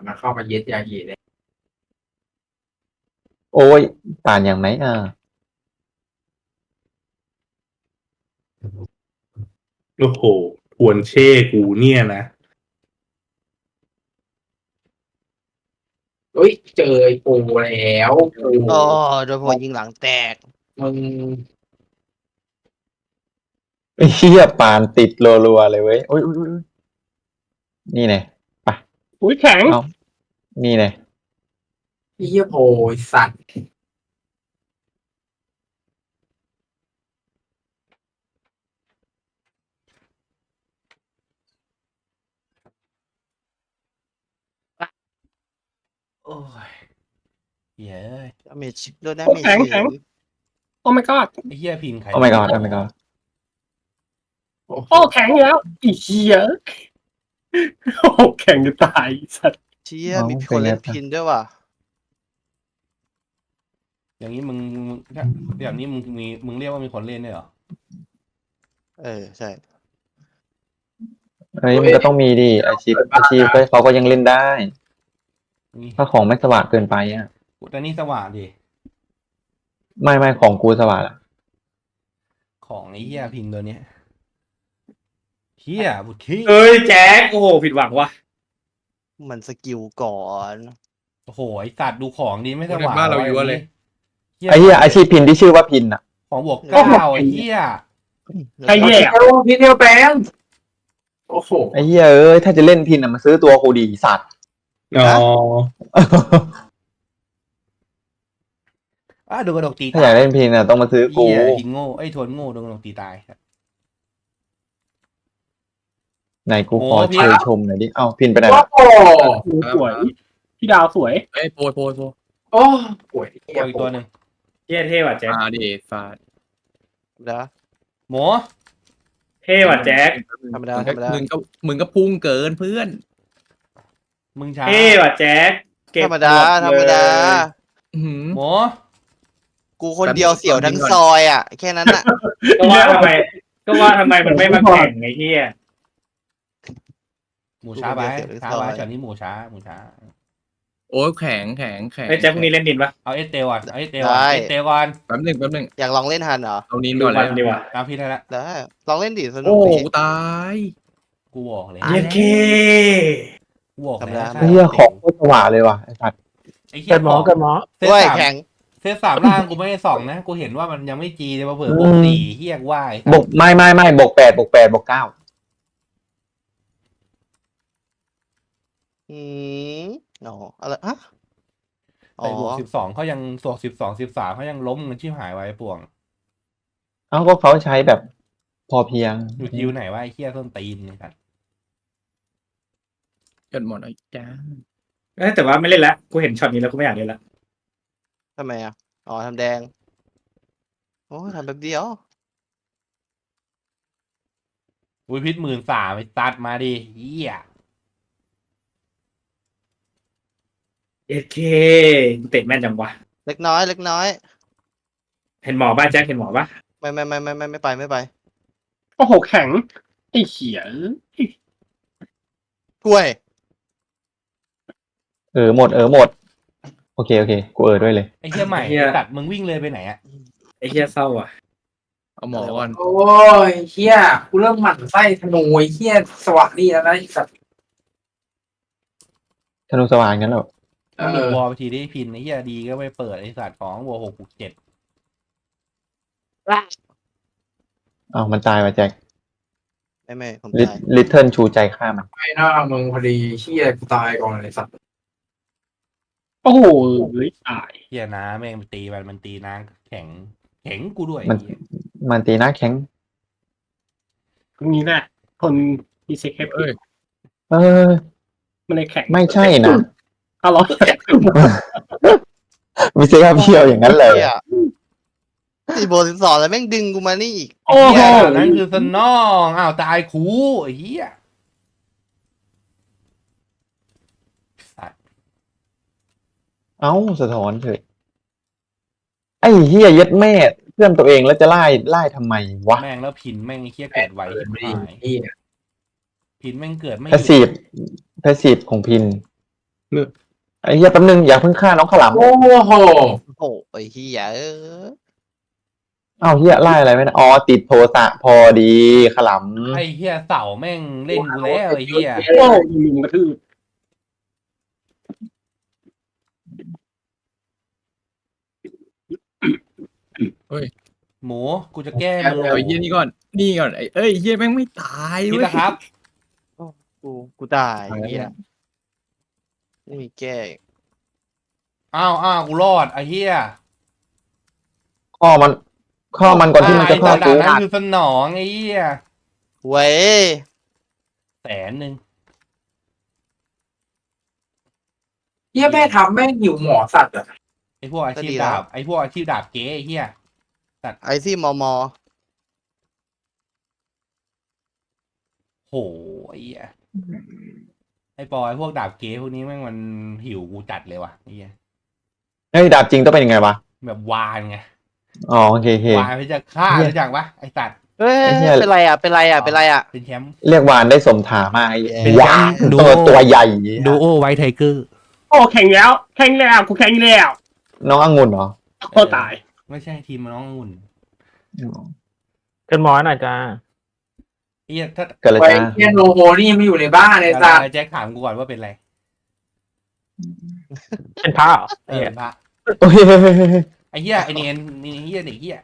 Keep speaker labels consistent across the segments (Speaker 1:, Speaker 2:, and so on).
Speaker 1: มันเข้ามายึดยาหีเลย
Speaker 2: โอ้ยป่านอย่างไหน
Speaker 3: โอ้โหทวนเช่กูเนี่ยนะ
Speaker 1: เฮ้ยเจอไอ้ปูแล้วปู
Speaker 4: อ๋อโดนผมยิงหลังแตก
Speaker 1: มึง
Speaker 2: ไอ้เหี้ยป่านติดรัวๆเลยเว้ยโอ้ยนี่ไงไป
Speaker 5: อุ้ยแข็ง
Speaker 2: เอานี่ไง
Speaker 1: ไอ้เหี้ยโพไอ้สัตว์
Speaker 6: โอ้ยเย้ย
Speaker 4: ดาเมจโดนดา
Speaker 5: โอ้
Speaker 4: เมจ
Speaker 5: แข็งแข็งโอ้ my god
Speaker 6: ไอ้เหี้ยพินใคร
Speaker 2: โอ้ my god โอ้ my god
Speaker 5: โอ้แข็งอยู่แล้วอีเหี้ยโอ้แข็งจะตายไอ้สัตว์
Speaker 4: เชี่ยมีคนเล่นพินด้วยว่ะ
Speaker 6: อย่างนี้มึงอย่างนี้มึงเรียกว่ามีคนเล่นด้วยเหรอ
Speaker 4: ใช่
Speaker 2: เฮ้ยมันก็ต้องมีดิอาชีพเขาก็ยังเล่นได้
Speaker 6: นี่
Speaker 2: ถ้าของไม่สว่างเกินไปอ่ะ
Speaker 6: แต่นี่สว่างดิ
Speaker 2: ไม่ของกูสว่างละ
Speaker 6: ของไอ้เหี้ยพินตัวเนี้ยเหี้ยบุตรขี้
Speaker 7: เอ้ยแจ็คโอ้โหผิดหวังว่ะ
Speaker 4: มันสกิลก่อน
Speaker 6: โอ้โหไอ้สัตว์ดูของดีไม่สว่าง
Speaker 8: บ้านเราอยู่วะเลย
Speaker 2: ไอ้เหี้ยอาชีพพินที่ชื่อว่าพินอ่ะ
Speaker 6: ของบวกเก้าไอ้เหี้ย
Speaker 5: ใครแย่
Speaker 1: เอวพี่เดียวแปลงโอ้โห
Speaker 2: ไอ้เหี้ยเอ้ยถ้าจะเล่นพินอ่ะมาซื้อตัวกูดีสัตว์
Speaker 3: อ๋อ
Speaker 6: โดนกระดกตี
Speaker 2: ถ้าอยากเล่นพินอ่ะต้องมาซื้อกู
Speaker 6: เหี้ยพินโง่ไอ้ทวนโง่โดนกระดกตีตาย
Speaker 2: ไหนกูขอ
Speaker 6: โอ้พี่
Speaker 2: เชยชมหน่อยดิเอ้าพินไปไหน
Speaker 1: โอ้
Speaker 2: ละ
Speaker 1: โห
Speaker 5: โอ้สวยพี่ดาวสวย
Speaker 8: เอ้ยโปรย
Speaker 1: โอ้ป่วยเหี้ย
Speaker 6: เอาอีกตัวหนึ่ง
Speaker 7: เท่เท่ว่ะแจ็ค
Speaker 8: มาดิฟาด
Speaker 4: นะ
Speaker 6: หมู
Speaker 7: เท่ว่ะแจ็ค
Speaker 4: ธรรมดาธรรมดา
Speaker 8: มึงก็พุ่งเกินเพื่อน
Speaker 6: มึงช้า
Speaker 7: เท่ว่ะแจ็คเก็บ
Speaker 4: ธรรมดา
Speaker 7: หด
Speaker 4: ธรรมดา
Speaker 8: อื้อหือ
Speaker 6: หมู
Speaker 4: กูคนเดียวเสี่ยวทั้งซอยอ่ะ แค่นั้นอ่ะ
Speaker 7: ก็ว่าทำไมมันไม่มาแข่งไอ้เหี้ย
Speaker 6: หมูช้าไปช้าไปช็อตนี้หมูช้า
Speaker 8: โอ้ยแข็ง
Speaker 7: ไอ้ยแจ็คพรุ่งนี้เล่นดินปะ
Speaker 6: เอาเอสเตลก่อนเอาเอสเตลก่อนเอสเตลก่อน
Speaker 8: แป๊บหนึง
Speaker 4: อยากลองเล่นฮันเหรอ
Speaker 8: เอานิน
Speaker 7: ดู
Speaker 8: ก่อนเล
Speaker 7: มัน
Speaker 8: ย
Speaker 7: ดีกว่า
Speaker 6: ตามพี่ได้ละ
Speaker 4: ได้ลองเล่นดิสนุ
Speaker 8: โอ้
Speaker 4: ก
Speaker 8: โห
Speaker 4: ดิ
Speaker 8: ตาย
Speaker 6: กูบอกเลย
Speaker 7: เย้เค
Speaker 6: กูบอก
Speaker 4: ธรรม
Speaker 6: แล้
Speaker 4: ดา
Speaker 6: ว
Speaker 2: ไอ้เหี้ยของโคตรสว่างเลยว่ะไอ้สัตว์
Speaker 6: ไอ้เหี้
Speaker 5: เกิ
Speaker 6: ย
Speaker 5: ดหมอเกิดหมอ
Speaker 6: เซต
Speaker 4: ด้วย
Speaker 6: สาม
Speaker 4: แข็ง
Speaker 6: เซตสามล่างกูไม่ได้ส่องนะ กูเห็นว่ามันยังไม่จีเลยมาเผื่อบวกสี่เฮียกว่าย
Speaker 2: บกไม่บก8บก9
Speaker 4: อืมอ๋ออะไรฮะอ๋
Speaker 6: ไป
Speaker 4: อ
Speaker 6: บวก12เขายังบวก13เขายังล้มกันชิบหายไว้ป่วง
Speaker 2: เอ้าก็เขาใช้แบบพอเพียง
Speaker 6: อยู่คิวไหนว่าไอ้เฮียต้นตีนนี่ครับ
Speaker 8: จนหมดไอ้จ้า
Speaker 7: แต่ว่าไม่เล่นละกูเห็นช็อตนี้แล้วกูไม่อยากเล่นละ
Speaker 4: ทำไมอ่ะอ๋อทำแดงโอ้ทำแบบเดียว
Speaker 6: อุ้ยพิษ13ไปตัดมาดิเฮีย
Speaker 7: เย้เคเตะแม่นจังวะ
Speaker 4: เล็กน้อย เล็กน้อย
Speaker 7: เห็นหมอป่ะแจ็คเห็นหมอป่ะ
Speaker 4: ไม่ไป
Speaker 5: โอ้โหแข็งไอ้เหี้ย
Speaker 4: กล้วย
Speaker 2: หมดโอเคกูด้วยเลย
Speaker 6: ไอ้เฮียใหม่ตัดมึงวิ่งเลยไปไหนอะ
Speaker 7: ไอ้เหี้ยเศร้าอ่ะ
Speaker 8: เอาหมอก่อน
Speaker 1: โอ้ยเหี้ยกูเริ่มหมั่นไส้ธนูไอ้เหี้ยสว่างนี่แล้วนะไอ้สัตว์
Speaker 2: ธนูสว่างงั้นเหรอ
Speaker 6: มึงหลุดวอลไปทีได้พินไอ้เฮียดีก็ไปเปิดไอ้สัตว์ของวัว6 7
Speaker 2: อ้าวมันตายว่ะแจ็ค
Speaker 4: ไม่ผม
Speaker 2: ลิ
Speaker 4: ตาย
Speaker 2: ลิตเทิลชูใจฆ่ามัน
Speaker 1: ไปหน้ามึงพอดีเหี้ยกูตายก่อนเลยสัตว์
Speaker 5: โอ้โหเฮ้ยตาย
Speaker 6: เฮียนะแม่งไปตีมันตีนางแข็งกูด้วย
Speaker 2: มันตีหน้าแข็ง
Speaker 5: ตรงนี้แหละคนมีเซ็กแฮป
Speaker 8: เอ้
Speaker 5: ปี้
Speaker 8: ย
Speaker 2: เออ
Speaker 5: มันเลยแข็ง
Speaker 2: ไม่ใช่นะ
Speaker 5: เอาเหรอ
Speaker 2: มีเซ็กเพียวอย่างนั้นเลย
Speaker 4: ตีโบ12แล้วแม่งดึงกูมานี่อีก
Speaker 5: โอ้โห
Speaker 6: เฮียนั่นคือสนองอ้าวตายคูไอ้เฮียสัตว์
Speaker 2: เอ้าสะท้อนเถอะไอ้เฮียยัดแม่เพื่อนตัวเองแล้วจะไล่ทำไมวะ
Speaker 6: แม่งแล้วพินแม่งไอ้เฮียเกิดไวชิบหาย
Speaker 1: เหี้ย
Speaker 6: พินแม่งเกิดไม่ห
Speaker 2: แพ
Speaker 6: ยุ
Speaker 2: ส
Speaker 6: ด
Speaker 2: ซีฟของพินไอ้เหี้ยแป๊บนึงอย่าเพิ่งฆ่าน้องขาวหลาม
Speaker 1: โอ้โห
Speaker 4: โอ้โหไอ้เหี้ย
Speaker 2: อ้าวเหี้ยไล่อะไรไม่ได้อ๋อติดโทสะพอดีขาวหลาม
Speaker 6: ไอ้เฮียเสาแม่งเล่นกูแล้วไอ้เฮีย
Speaker 5: โอ้ลุมกระทืบ
Speaker 6: หมูกูจะแก้
Speaker 8: เอา
Speaker 6: มือ
Speaker 8: ไอ้เหี้ยนี่ก่อนนี่ก่อนไอ้เอ้ยเหี้ยแม่งไม่ตาย
Speaker 6: คิด
Speaker 8: เว้ย
Speaker 6: นะครับ
Speaker 4: กูตายไอ้เหี้ยไม่มีแก้อีก
Speaker 6: อ้าวกูรอดไอ้เฮีย
Speaker 2: ข้อมันก่อนที่มันจะ
Speaker 6: ไอ้
Speaker 2: ฆ่า
Speaker 6: ดา
Speaker 2: กู
Speaker 6: บนั้นคือสนองไอ้เฮีย
Speaker 4: เว้ย
Speaker 6: 100,000
Speaker 1: เฮียแม่ทำแม่งหิวหมอสัตว์อะ
Speaker 6: ไอ้พวกอาชีพดาบไอ้พวกอาชีพดาบเก๊ไอ้เฮีย
Speaker 4: ไอซี่มอ
Speaker 6: โหไอ้เฮียไอ้ปอไอ้พวกดาบเก๊พวกนี้แม่งมันหิวกูจัดเลยว่ะไอ้เฮีย
Speaker 2: เฮ้ยดาบจริงต้องเป็นยังไงวะ
Speaker 6: แบบวานไง
Speaker 2: อ๋อโอเคโอเคว
Speaker 6: านไปจะฆ่ารู้จักปะไอ้สัตว์
Speaker 4: เฮ้ย
Speaker 2: ไอ้เหี้ย
Speaker 4: เป็นไรอ่ะเป็นไรอ่ะเป็นไรอ่ะ
Speaker 6: เป็นแชมป์
Speaker 2: เรียกวานได้สมถามากไอ้
Speaker 4: เป็น
Speaker 2: วาน
Speaker 6: ดู
Speaker 2: ตัวใหญ่
Speaker 6: ดูโอไวท์ไทเกอร์
Speaker 5: โอ้แข็งแล้วกูแข็งแล้ว
Speaker 2: น้ององุ่นเหรอ
Speaker 5: โอ้ตาย
Speaker 6: ไม่ใช่ทีมน้ององุ่น
Speaker 9: ขึ้นหมอหน่อยจ้า
Speaker 6: ไอ้เฮียถ้า
Speaker 2: เกิดอะไร
Speaker 1: ไอ้
Speaker 2: จ้า
Speaker 1: เฮียโนโฮนี่ยังไม่อยู่ในบ้านเลยสัตว์
Speaker 6: แจ็คถามกูก่อนว่าเป็นไร
Speaker 9: เป็นพระเหรอ
Speaker 6: เป็นพระ
Speaker 2: โอ้ย
Speaker 6: ไอ้เฮียไอ้เนียนนี่เฮียเด็กเฮีย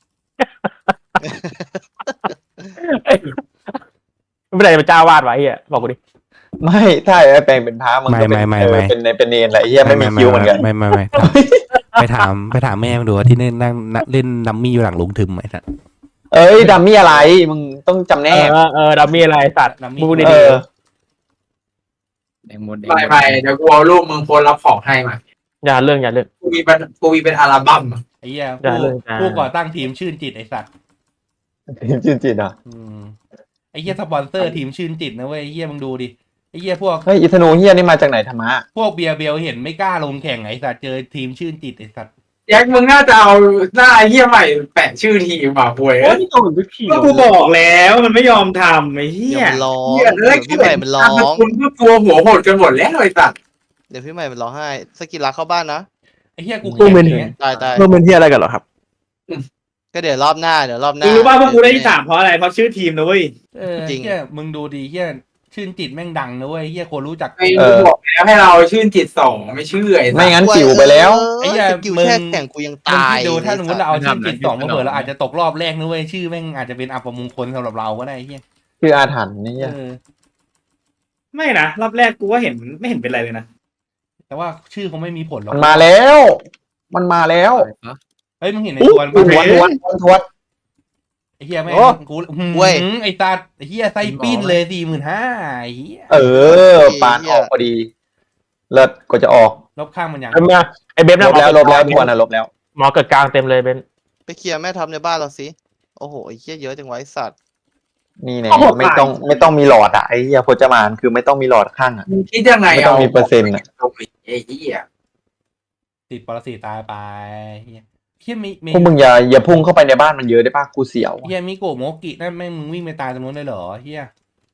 Speaker 9: ไม่เป็นไรเป็นเจ้าวาดไว้เฮียบอกกูดิ
Speaker 2: ไม่ถ้าไอ้แปลงเป็นพระมันก็เป็นเป็นเนรแหละไอ้เหี้ยไม่มีคิวเหมือนกัน
Speaker 6: ไม่ไปถามแม่มึงดูที่เล่นนั่งเล่นดัมมี่อยู่หลังลุงทึมไอ้สัส
Speaker 2: เอ้ยดัมมี่อะไรมึงต้องจำแนก
Speaker 9: ดัมมี่อะไรสัตว์มึงดูดิ
Speaker 2: เออ
Speaker 8: แดงหมดแดง
Speaker 1: ไปเดี๋ยวกูเอารูปมึงโพสรับของให้มา
Speaker 9: อย่าเรื่อง
Speaker 1: กูมีเป็นอัลบั้มอะ
Speaker 6: ไอ้เหี้ย
Speaker 9: อย่าเลยจ้า
Speaker 6: ผู้ก่อตั้งทีมชื่นจิตไอ้สัตว์
Speaker 2: จินจิตอ่ะ
Speaker 6: ไอ้เหี้ยสปอนเซอร์ทีมชื่นจิตนะเว้ยไอ้เหี้ยมึงดูดิไอ้เหี้ยพวก
Speaker 2: เฮ้ยอิธนูเฮียนี่มาจากไหนธรรมะ
Speaker 6: พวกเบียร์เบลเห็นไม่กล้าลงแข่งไอ้สัตว์เจอทีมชื่นจิตไอ้สัตว์
Speaker 1: แจ็คมึงน่าจะเอาหน้าไอ้เฮียใหม่แปะชื่อทีมมาป่วย
Speaker 5: โอ้ยโดนทุกที
Speaker 7: ก็กูบอกแล้วมันไม่ยอมทำไอ้เหี้
Speaker 4: เดี๋ย
Speaker 7: ยว
Speaker 4: มันร้อง
Speaker 1: เฮีย
Speaker 4: เดี๋
Speaker 1: แล้ว
Speaker 4: ยวพี่ใหม่มันร้อง
Speaker 1: คุณก็กลัวหัวโหดกันหมดแล้วไอ้สัตว์
Speaker 4: เดี๋ยวพี่ใหม่มันร้องไห้สกิลรักเข้าบ้านนะ
Speaker 6: ไอ้เหี้ยกูแข่งอย่างเงี้ย
Speaker 4: ตาย
Speaker 9: เรื่องเป็นที่อะไรกันเหรอครับ
Speaker 4: ก็เดี๋ยวรอบหน้า
Speaker 7: มึงรู้ป่ะพวกกูได้ที่สามเพราะอะไรเพราะชื่อทีมนะเว้ย
Speaker 4: จริง
Speaker 6: เหี้ยมึงดูดิเหี้ยชื่นจิตแม่งดังนะเว้ยเหี้ยคนรู้จัก
Speaker 1: ไอ้บอกแล้วให้เราชื่นจิต2ไม่ชื่อไอ้สั
Speaker 2: ไม่
Speaker 1: ตว์
Speaker 2: งั้นจิ๋วไปแล้ว
Speaker 6: ไอ้เหี้ย
Speaker 4: สกิล
Speaker 6: มึง
Speaker 4: แค่แข่งกูยัง
Speaker 6: มึง
Speaker 4: ตาย
Speaker 6: คิดดูถ้าสมมติเราเอาชื่นจิต2มาเผื่อเราอาจจะตกรอบแรกนะเว้ยชื่อแม่งอาจจะเป็นอัปมงคลสำหรับเราก็ได้ไอ้เหี้ย
Speaker 2: คืออาถรรพ์นี่เหี้ย
Speaker 7: ไม่นะรอบแรกกูก็เห็นไม่เห็นเป็นไรเลยนะ
Speaker 6: แต่ว่าชื่อคงไม่มีผลหรอก
Speaker 2: มันมาแล้ว มันมาแล้ว
Speaker 6: เฮ้ยมึงเห็นไอ้ทวน
Speaker 2: ท
Speaker 6: ปะ
Speaker 2: วน
Speaker 6: ไอ้เหี้ยแม่ง
Speaker 2: โอ้
Speaker 6: กูไอ้ตาไอ้เหี้ยไส้ปิ้นเลย45,000ไอ้เหี้ย
Speaker 2: เออปานออกพอดีเลิศก็จะออก
Speaker 6: ลบข้างมันยัง
Speaker 9: ไอเบฟ
Speaker 2: ลบแล้วทวนอ่ะลบแล้ว
Speaker 9: หมอเกิดกลางเต็มเลยเบน
Speaker 4: ไปเคลียร์แม่ทัพในบ้านเราสิโอ้โหไอ้เหี้ยเยอะจังไวะไอ้สัตว์
Speaker 2: นี่แน่ไม่ต้องมีหลอดอ่ะไอ้เหี้ยพจมานคือไม่ต้องมีหลอดข้างอ่ะ
Speaker 1: มึงคิดยังไง
Speaker 2: ไม่ต้องมีเปอร์เซ็นต์อะ
Speaker 1: ไอ้เหี้ย
Speaker 6: ติดปรสิตตายไปเหี้ยเหี้ยมี
Speaker 2: พวกมึงอย่าพุ่งเข้าไปในบ้านมันเยอะได้ป่ะกูเสียว
Speaker 6: เหี้ยมิโกะโมกินั่นแม่งมึงวิ่งไปตายตรงนู้นเลยเหรอเหี้ย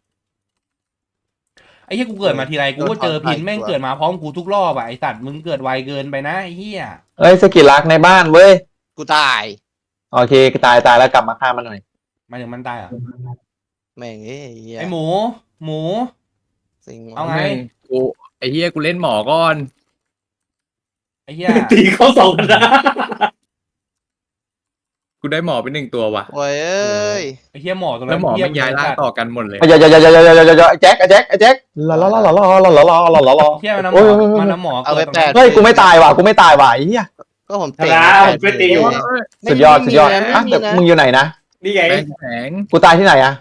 Speaker 6: ไอ้เหี้ยกูเกิดมาทีไรกูก็เจอพินแม่งเกิดมาพร้อมกูทุกรอบอ่ะไอ้สัตว์มึงเกิดไวเกินไปนะไอ้เหี้ย
Speaker 2: เอ้ยสกิลลักในบ้านเว้ย
Speaker 4: กูตาย
Speaker 2: โอเคตายแล้วกลับมาฆ่ามันหน่อย
Speaker 6: หมายถึงมันตายเหรอ่ะ
Speaker 4: แม่งเอ้ยไอ้เหี้ย
Speaker 6: ไอ้หมู
Speaker 4: สิง
Speaker 6: เอาไง
Speaker 8: กูไอ้เหี้ยกูเล่นหมอก่อน
Speaker 6: ไอ้เหี้ย
Speaker 7: ตีเข้าสองนะ
Speaker 8: กูได้หมอไป1ตัวว่ะ
Speaker 4: โอ้ยเอ้ย
Speaker 6: ไอ้เหี้ยหมอตรง
Speaker 8: แล้
Speaker 6: นั้
Speaker 8: วน หมอ
Speaker 6: เหี้ย
Speaker 8: มันย้ายร่างต่อกันหมดเลย
Speaker 2: อย่าไอ้แจ็คลา
Speaker 6: เหี้ยมันน้ำหม
Speaker 2: โอ้
Speaker 6: อย มันน้ำหมอ
Speaker 4: เอาไป
Speaker 6: เกิดตรงนั้น
Speaker 4: 8
Speaker 2: เฮ้ยกูไม่ตายว่ะไอ้เหี้ย
Speaker 4: ก็ผมเตะ
Speaker 7: ผมไปตีอยู่
Speaker 2: สุดยอดอ่ะแต่มึงอยู่ไหนนะ
Speaker 7: นี่ไง
Speaker 8: แข็ง
Speaker 2: กูตายที่ไหนอ่ะ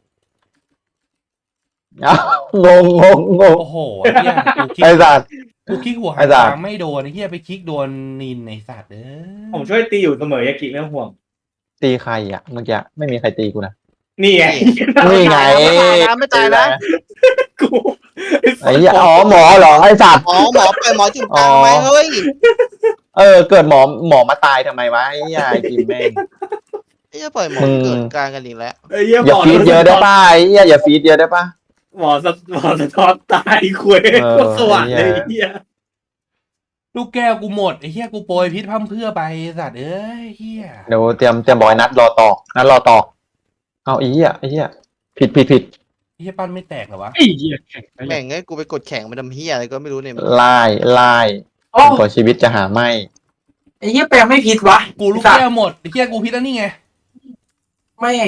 Speaker 2: งง
Speaker 6: โอ้โหไอ้เหี้ยกูคิด
Speaker 2: ไอ้สัตว์
Speaker 6: กูคลิกหัว
Speaker 2: ไอ้
Speaker 6: หาง
Speaker 2: สัตว์
Speaker 6: ตามไม่โดนไอ้เหี้ยไปคลิกโดนนินในสัตว์
Speaker 7: ผมช่วยตีอยู่เสมอยากิไม่ต้องห่วง
Speaker 2: ตีใครอ่ะเมื่อกี้ไม่มีใครตีกูนะ
Speaker 7: นี่ไง
Speaker 2: นี่ไง
Speaker 4: ไม่ตายนะ
Speaker 7: กู
Speaker 2: ไอ้เหี้ยอ๋อหมอเหรอไอ้สัตว์
Speaker 4: หมอไปหมอจุดกลางไหมเฮ้ย
Speaker 2: เกิดหมอมาตายทำไมวะไอ้เหี้ยไอ้กิมแม่ง
Speaker 4: ไอ้เหี้ยปล่อยหมอเกิดกลางกันอีกแล้ว
Speaker 7: ไอ้เหี้ย
Speaker 2: อย่าฟีดเยอะได้ป่ะไอ้เหี้ยอย่าฟีดเยอะได้ป่ะ
Speaker 7: หมอสะท้อนตายคุยโคตรสว่างเลยไอ้เฮีย
Speaker 6: ลูกแก้วกูหมดไอ้เหี้ยกูโปรยพิษพร่ำเพรื่อไปไอ้สัตว์เอ้ยเหี้ย
Speaker 2: เดี๋ยวเตรียมบอยนัดรอต่อเอาไอ้เหี้ยผิด
Speaker 6: ไอ้เหี้ยปั้นไม่แตกเหรอวะ
Speaker 5: ไอ้เหี้ยแข็งไป
Speaker 4: แม่งไงกูไปกดแข่งมันทำเฮียอะไรก็ไม่รู้เนี่ย
Speaker 2: ไล่
Speaker 1: โอ้
Speaker 2: กว่าชีวิตจะหาไม่
Speaker 1: ไอ้เหี้ยแปลงไม่ผิดวะ
Speaker 6: กูลูกแก้วหมดไอ้เหี้ยกูพิษแล้วนี่ไง
Speaker 1: แม่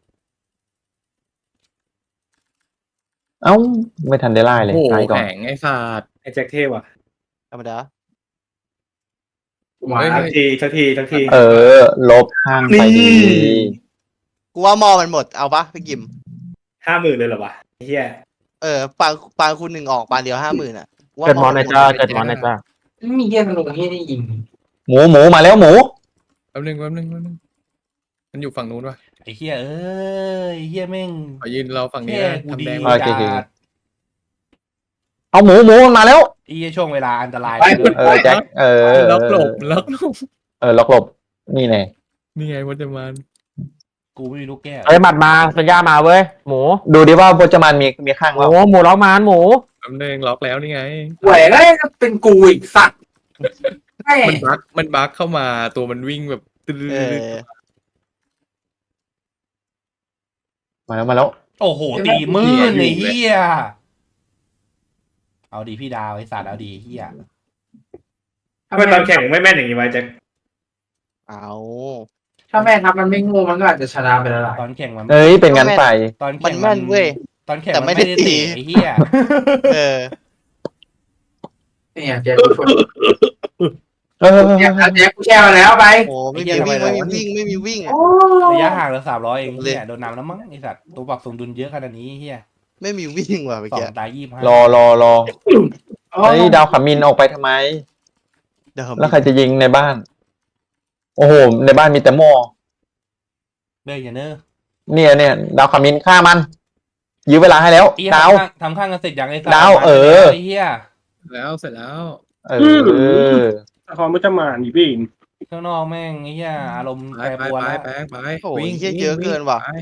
Speaker 2: เอ้าไม่ทันได้ไล่เลย
Speaker 8: โอ้โห
Speaker 2: ตายก่อน
Speaker 8: แข็งไอ้สัตว์
Speaker 7: ไอ้แจ็คเท่ว่ะ
Speaker 4: ธรรมดา
Speaker 7: มาทักที
Speaker 2: ลบข้างไปดี
Speaker 4: กูว่าหมอมันหมดเอาปะพี่กิม
Speaker 7: 50,000เลยเหรอวะไอ้เฮีย
Speaker 4: ปางคุณหนึ่งออกปางเดียว50,000อ่ะกูว่า
Speaker 9: เกิดมอนในจ้าเกิดมอนในจ้า
Speaker 1: ไม่มีเหี้ยธนูเหี้ยได้ยิง
Speaker 2: หมูมาแล้วหมู
Speaker 8: แป๊บนึงมันอยู่ฝั่งนู้นวะ
Speaker 6: ไอ้เหี้ยเอ้ยไอ้เหี้ยแม่ง
Speaker 8: ขอยืนเราฝั่งนี้
Speaker 6: แค่
Speaker 8: นะ
Speaker 6: กูดี
Speaker 8: ทำแดง
Speaker 2: โอเค
Speaker 6: จัด
Speaker 2: เอาหมูมันมาแล้ว
Speaker 6: ไอ้เหี้ยช่วงเวลาอันตราย
Speaker 2: แจ็ค
Speaker 8: ล็อกหลบ
Speaker 2: ล็อกหลบนี่แน่
Speaker 8: นี่ไงวัจมาน
Speaker 6: กูไม่มีลูกแก้ว
Speaker 9: เฮ้ยหมัดมาสัญญามาเว้ยหมู
Speaker 2: ดูดิว่าโปรจมันมีข้าง
Speaker 9: ห
Speaker 2: ว่า
Speaker 9: มูล็อกมานหมู
Speaker 8: แป๊บนึงล็อกแล้วนี่ไง
Speaker 1: แหวกได้เป็นกูอีกสัตว์แม่
Speaker 8: มันบั๊กเข้ามาตัวมันวิ่งแบบตื้อ
Speaker 4: เออ
Speaker 2: มาแล้ว
Speaker 6: โอ้โหตีมือไอ้เหี้ยเอาดีพี่ดาวไอ้สัตว์เอาดีเหี้ย
Speaker 7: ทำไมตอนแข่งไม่แม่นอย่างนี้วะแจ็ค
Speaker 4: เอา
Speaker 1: ถ้าแม่ทัพมันไม่โงูมันก็อาจจะชนะไปแล้วล่ะ
Speaker 6: ตอนแข่งมัน
Speaker 2: เอ้ยเป็นงั้นไป
Speaker 6: ตอน
Speaker 4: มั
Speaker 6: แข่
Speaker 4: น
Speaker 6: ง
Speaker 4: แม่นเว้ย
Speaker 6: ตอนแข่ง
Speaker 4: แต่
Speaker 6: มัน
Speaker 4: ไม่
Speaker 6: ไม่
Speaker 4: ได้
Speaker 6: ได้
Speaker 4: ตี
Speaker 6: เตะไอ้เหี้ย
Speaker 4: เออ
Speaker 1: เนี่ยแจ็คกูชน
Speaker 2: เออ
Speaker 1: แจ็คกูแช่มาแล้วไป
Speaker 4: โอ้ไม่มีวิ่งไม่มีวิ่งอ่ะ
Speaker 1: โอ้
Speaker 6: ระยะห่างเรา300เองเหี้ยโดนน้ำแล้วมั้งไอ้สัตว์ตัวปรับสมดุลเยอะขนาดนี้เหี้ย
Speaker 4: ไม่มีวิ่งว่ะเมื่อ
Speaker 6: สอ
Speaker 4: กี้
Speaker 6: งตาย25
Speaker 2: รอเฮ้ยดาวขามินออกไปทำไม
Speaker 4: เดี๋ยว
Speaker 2: แล้วใครจะยิงในบ้าน โอ้โหในบ้านมีแต่หม้อ
Speaker 6: เบ้ยอย่าเนอะ
Speaker 2: เนี่ยดาวขามินฆ่ามันยื้อเวลาให้แล้ว
Speaker 6: ไอ้เหี้ย
Speaker 2: ดาว
Speaker 6: ทำข้างกันเสร็จยังไอ้สัตว์
Speaker 2: ดาวเออ
Speaker 6: ไอ้เหี้ย
Speaker 8: แล้วเสร็จแล้ว
Speaker 2: เออ
Speaker 5: สะท้อนมันจะมาหนีพี่
Speaker 6: ข้างนอกแม่งไอ้เหี้ยอารมณ์
Speaker 8: ไป
Speaker 6: แปรปรวนแล้ว
Speaker 8: ไป
Speaker 4: โอ้ยเยอะเกินว่ะ
Speaker 8: ไป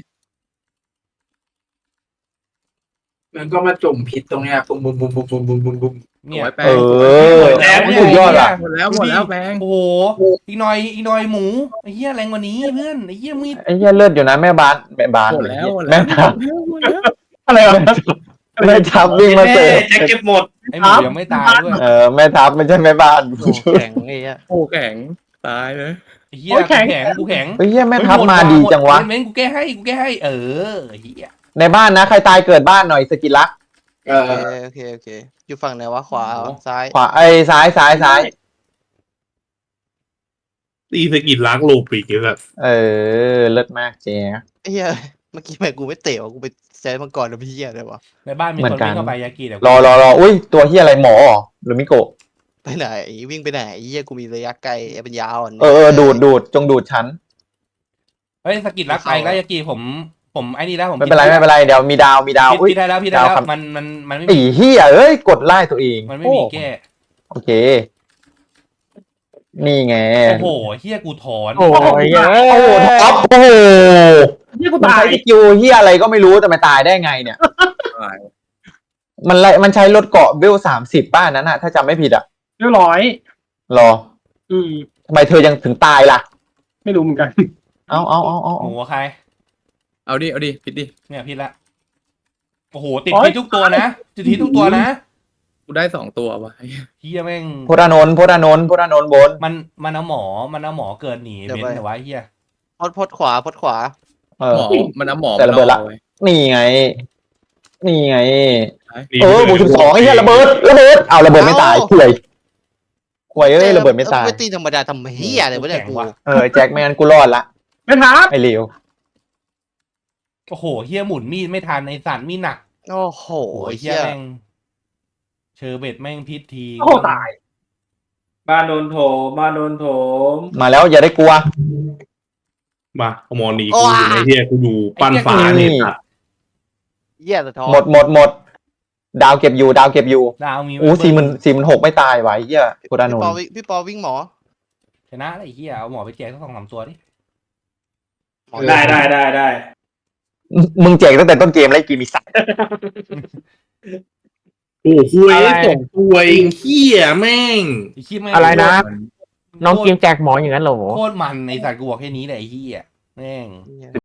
Speaker 1: มันก็มาจุ่มผิดตรงเนี้ยบุ้ม
Speaker 6: เนี่ย
Speaker 8: ไว้แปล
Speaker 2: เอง อ
Speaker 1: แล้ว
Speaker 2: สุดยอดอ่ะ
Speaker 8: หมดแล้วแปลง
Speaker 6: โอ้โหอีกหน่อยหมูไอ้เหี้ยแรงกว่านี้เพื่อนไอ้เหี้ยมีด
Speaker 2: ไอ้เหี้ยเลือดอยู่นะแม่บ้าน
Speaker 8: หมดแล้ว
Speaker 2: แม่ทับ
Speaker 5: อะไรวะ
Speaker 2: แม่ทับวิ่งมาเสิร์ฟ
Speaker 7: แจ็คเก็บหมด
Speaker 6: ไอ้หมูยังไม่ตายด้วย
Speaker 2: แม่ทับไม่ใช่แม่บ้าน
Speaker 4: โอ้แข็งไอ้เหี้ย
Speaker 8: โอ้แข็งตายเลย
Speaker 6: ไอ้เหี้ยกูแข็ง
Speaker 2: เฮ้ยแม่ทับมาดีจังวะ
Speaker 6: เม้นกูแก้ให้เออไอ้เหี้ย
Speaker 2: ในบ้านนะใครตายเกิดบ้านหน่อยสกิลลัก
Speaker 1: เออ
Speaker 4: โอเคอยู่ฝั่งไหนวะขวาซ้าย
Speaker 2: ขวาไอ้ซ้าย
Speaker 3: ตีสกิลล้างโลปีกแบบ
Speaker 2: เลิศมากเจ๊
Speaker 4: ไอ้เหี้ยเมื่อกี้แม่กูไม่เตะวะกูไปใช้มังกรแล้วพี่เหี้ยเลยวะ
Speaker 6: ในบ้านมี
Speaker 2: เหมื
Speaker 6: ค
Speaker 2: อน นกัน
Speaker 6: วิ่งเข้าไปยากิเดี๋ยว
Speaker 2: รออุ้ยตัวเฮียอะไรหมอเหรอหรือมิโกะ
Speaker 4: ไปไหนวิ่งไปไหนไอ้เหี้ยกูมีระยะไกลเป็นยาวอ่ะ
Speaker 2: ดูดจงดูดฉัน
Speaker 6: เฮ้ยสกิลรักไปแล้วยากิผมไอ้นี่แล้วผม
Speaker 2: ไม่เป็นไรเดี๋ยวมีดาวอุ้ย
Speaker 6: พี่ได้แล้ว
Speaker 2: ดาวครับ
Speaker 6: มันไม่
Speaker 2: ไอ้
Speaker 6: มี
Speaker 2: เฮียเอ้ยกดไล่ตัวเอง
Speaker 6: มันไม่มีแก้
Speaker 2: โอเค นี่ไง
Speaker 6: โอ้โหเฮียกูถอน
Speaker 9: โอ้ยเอ้ย
Speaker 2: โอ้โหท็อปโอ้โห
Speaker 5: นี่กู
Speaker 2: มัน
Speaker 5: ตาย
Speaker 2: ใช้สกิลเฮียอะไรก็ไม่รู้แต่มันตายได้ไงเนี่ย มันใช้ลดเกาะเวล30ป้านั้นอะถ้าจำไม่ผิดอะ
Speaker 5: เรียบร้อย
Speaker 2: รอ
Speaker 5: อืม
Speaker 2: ทำไมเธอยังถึงตายล่ะ
Speaker 5: ไม่รู้เหมือนกัน
Speaker 2: เอา
Speaker 6: หมูใคร
Speaker 8: เอาดิพิดดิ
Speaker 6: เนี่ยพี่ละโอ้โหติดที่ทุกตัวนะติดที่ทุกตัวนะ
Speaker 8: กูได้2 ตัวว่ะ
Speaker 6: เฮียแม่ง
Speaker 2: พลนนท์บน
Speaker 6: มันเอาหมอเกินหนีเบนแต่ว่าเฮีย
Speaker 4: พดขวา
Speaker 2: เออ
Speaker 8: หมอมันเอาหมอ
Speaker 2: แต่ระเบิดละ
Speaker 8: อาไว้
Speaker 2: นี่ไง
Speaker 3: นี่
Speaker 2: บวก12ไอ้เหี้ยระเบิดเอาระเบิดไม่ตายป่วยเอ้ยระเบิดไม่ตาย
Speaker 4: ไปตีธรรมดาทำเหี้ยอะไรวะเนี่ยกู
Speaker 2: แจ็คไม่งั้นกูรอดละ
Speaker 5: ไม่ทับ
Speaker 2: ไอ้เหลว
Speaker 6: โอ้โหเฮียหมุนมีดไม่ทันในสัตว์มีดหนัก
Speaker 4: โอ้โห
Speaker 6: โอ้ยเฮี
Speaker 4: เหี้
Speaker 6: ย
Speaker 4: ย
Speaker 6: แม่งเชอร์เบตแม่งพิษที
Speaker 5: โอ้ตาย
Speaker 7: บ้านโดนโถม
Speaker 2: มาแล้วอย่าได้กลัว
Speaker 3: มาเอามอนีกูอยู่ในเฮียกูอยู่ปั้นฟ้าเนี่ยตัด
Speaker 4: เหี้ยสะท้อน
Speaker 2: หมดดาวเก็บอยู่
Speaker 6: ดาวมี
Speaker 2: โอ้46,000ไม่ตายไว้เหี้ยพลนนท์
Speaker 4: พี่ปอวิ่งหมอ
Speaker 6: ชนะไอ้เฮียเอาหมอไปแจกสัก2-3ตัวดิ
Speaker 7: ได้
Speaker 2: มึงแจกตั้งแต่ต้นเกมแล้วไอ้กีมีสัตว์
Speaker 3: โอ้โหคุยสองตัวเองเหี้ยแม่ง
Speaker 6: ไอ้ขี้แม่ง
Speaker 9: อะไรนะ น้องกิมแจกหมออย่างนั้นเหรอ
Speaker 6: โคตรมันในสัตว์กูบอกแค่นี้แหละไอ้เหี้ยแม่ง
Speaker 4: เนี่ย